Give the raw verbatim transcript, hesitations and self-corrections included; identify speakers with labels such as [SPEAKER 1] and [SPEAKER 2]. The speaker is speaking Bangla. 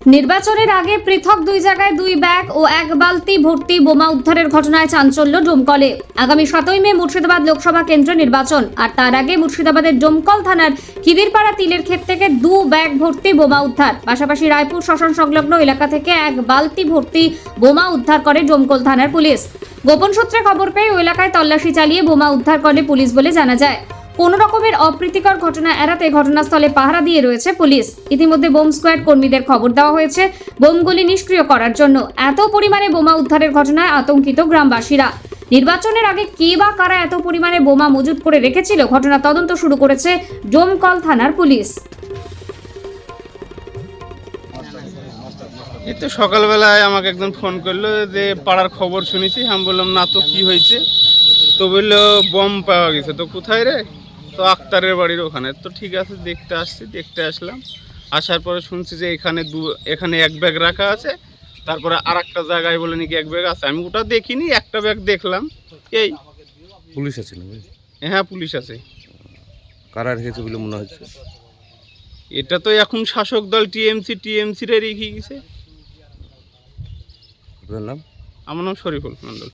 [SPEAKER 1] নির্বাচনের আগে পৃথক দুই জায়গায় দুই ব্যাগ ও এক বালতি ভর্তি বোমা উদ্ধারের ঘটনায় চাঞ্চল্য ডোমকলে। আগামী সাতই মে মুর্শিদাবাদ লোকসভা কেন্দ্র নির্বাচন, আর তার আগে মুর্শিদাবাদের ডোমকল থানার খিদিরপাড়া তিলের ক্ষেত থেকে দু ব্যাগ ভর্তি বোমা উদ্ধার। পাশাপাশি রায়পুর শ্মশান সংলগ্ন এলাকা থেকে এক বালতি ভর্তি বোমা উদ্ধার করে ডোমকল থানার পুলিশ। গোপন সূত্রে খবর পেয়ে ওই এলাকায় তল্লাশি চালিয়ে বোমা উদ্ধার করে পুলিশ বলে জানা যায়। কোনো রকমের অপ্রীতিকর ঘটনা এড়াতে ঘটনাস্থলে পাহারা দিয়ে রয়েছে পুলিশ। ইতিমধ্যে বোম স্কোয়াড কর্মীদের খবর দেওয়া হয়েছে বোমগুলি নিষ্ক্রিয় করার জন্য। এত পরিমাণে বোমা উদ্ধারের ঘটনায় আতঙ্কিত গ্রামবাসীরা। নির্বাচনের আগে কে বা কারা এত পরিমাণে বোমা মজুত করে রেখেছিল, ঘটনা তদন্ত শুরু করেছে ডোমকল থানার পুলিশ।
[SPEAKER 2] এই তো সকালবেলায় আমাকে একজন ফোন করলো যে পাড়ার খবর শুনেছি। আমি বললাম না তো, কি হয়েছে? তো বললো বম পাওয়া গেছে। তো কোথায় রে? তো আক্তারের বাড়ির ওখানে। তো ঠিক আছে, দেখতে আসছি। দেখতে আসলাম, আসার পরে শুনছি যে এখানে দু এখানে এক ব্যাগ রাখা আছে, তারপরে আর একটা জায়গায় বলে নাকি এক ব্যাগ আছে। আমি ওটা দেখিনি, একটা ব্যাগ দেখলাম। এই
[SPEAKER 3] পুলিশ আছে নাকি?
[SPEAKER 2] হ্যাঁ, পুলিশ আছে।
[SPEAKER 3] কারা রেখেছে বলে মনে হচ্ছে?
[SPEAKER 2] এটা তো এখন শাসক দল টিএমসি টিএমসি রে রেখে গেছে।
[SPEAKER 3] আপনার নাম?
[SPEAKER 2] আমার নাম শরীফুল মন্ডল।